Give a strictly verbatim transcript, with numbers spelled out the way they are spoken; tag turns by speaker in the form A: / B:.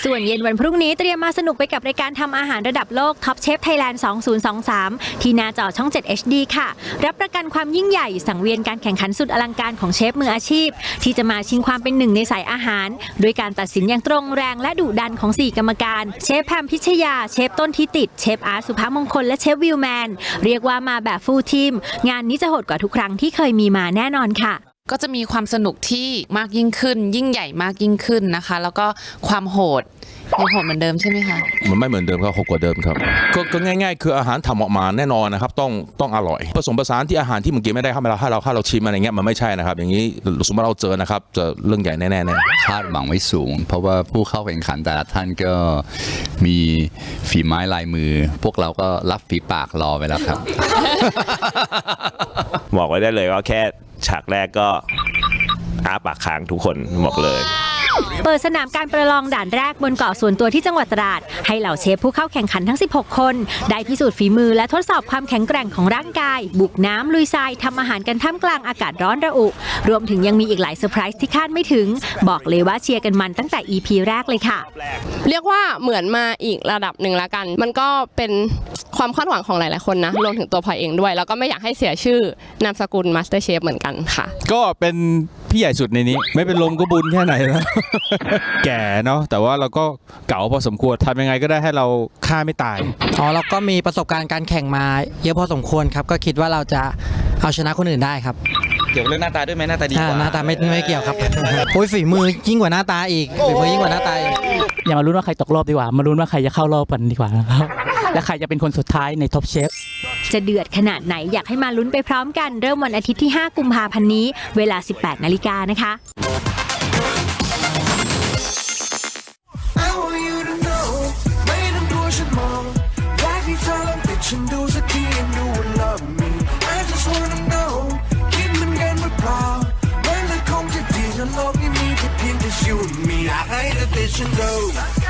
A: ส่วนเย็นวันพรุ่งนี้เตรียมมาสนุกไปกับรายการทำอาหารระดับโลก Top Chef Thailand สองพันยี่สิบสาม ที่หน้าจอช่อง เจ็ด เอช ดี ค่ะรับประกันความยิ่งใหญ่สังเวียนการแข่งขันสุดอลังการของเชฟมืออาชีพที่จะมาชิงความเป็นหนึ่งในสายอาหารด้วยการตัดสินอย่างตรงแรงและดุดันของสี่กรรมการเชฟแพมพิชยาเชฟต้นทิติเชฟอาร์ตสุภมงคลและเชฟวิลแมนเรียกว่ามาแบบฟูลทีมงานนี้จะโหดกว่าทุกครั้งที่เคยมีมาแน่นอนค่ะ
B: ก็จะมีความสนุกที่มากยิ่งขึ้นยิ่งใหญ่มากยิ่งขึ้นนะคะแล้วก็ความโหดยังโหดเหมือนเดิมใช่ไหมคะ
C: มันไม่เหมือนเดิมครับโหดกว่าเดิมครับก็ก็ง่ายๆคืออาหารทำออกมาแน่นอนนะครับต้องต้องอร่อยผสมผสานที่อาหารที่เมื่อกี้ไม่ได้เข้ามาเราให้เราให้เราชิมอะไรเงี้ยมันไม่ใช่นะครับอย่างนี้สมมติเราเจอนะครับจะเรื่องใหญ่แน่ๆแน่
D: คาดหวังไว้สูงเพราะว่าผู้เข้าแข่งขันแต่ละท่านก็มีฝีไม้ลายมือพวกเราก็รับฝีปากรอไปแล้วครับ
E: บอกไว้ได้เลยว่าแค่ฉากแรกก็อ้าปากค้างทุกคนบอกเลย
A: เปิดสนามการประลองด่านแรกบนเกาะส่วนตัวที่จังหวัดตราดให้เหล่าเชฟผู้เข้าแข่งขันทั้งสิบหกคนได้พิสูจน์ฝีมือและทดสอบความแข็งแกร่งของร่างกายบุกน้ำลุยทรายทำอาหารกันท่ามกลางอากาศร้อนระอุรวมถึงยังมีอีกหลายเซอร์ไพรส์ที่คาดไม่ถึงบอกเลยว่าเชียร์กันมันตั้งแต่ อี พี แรกเลยค่ะ
F: เรียกว่าเหมือนมาอีกระดับหนึ่งละกันมันก็เป็นความคาดหวังของหลายๆคนนะรวมถึงตัวพลอยเองด้วยแล้วก็ไม่อยากให้เสียชื่อนามสกุลมาสเตอร์เชฟเหมือนกันค่ะ
G: ก็เป็นพี่ใหญ่สุดในนี้ไม่เป็นลมก็บุญแค่ไหนนะ แก่เนาะแต่ว่าเราก็เก่าพอสมควรทำยังไงก็ได้ให้เราฆ่าไม่ตาย
H: อ๋อเราก็มีประสบการณ์การแข่งมาเยอะพอสมควรครับก็คิดว่าเราจะเอาชนะคนอื่นได้ครับ
I: เกี่ยวกับเรื่องหน้าตาด้วยไหมหน้าตาดีกว่า
H: หน้าตาไม่ไม่เกี่ยวครับโอ้ยฝีมือยิ่งกว่าหน้าตาอีกฝีมือยิ่งกว่าหน้าตา
J: อย่ามาลุ้นว่าใครตกรอบดีกว่ามาลุ้นว่าใครจะเข้ารอบกันดีกว่านะครับและใครจะเป็นคนสุดท้ายในท็อปเชฟ
A: จะเดือดขนาดไหนอยากให้มาลุ้นไปพร้อมกันเริ่มวันอาทิตย์ที่ห้ากุมภาพันธ์นี้เวลา สิบแปดนาฬิกานะคะ
K: โลกนี้มีแค่เพียงแต่ you and me อยากให้เธอติดฉันดู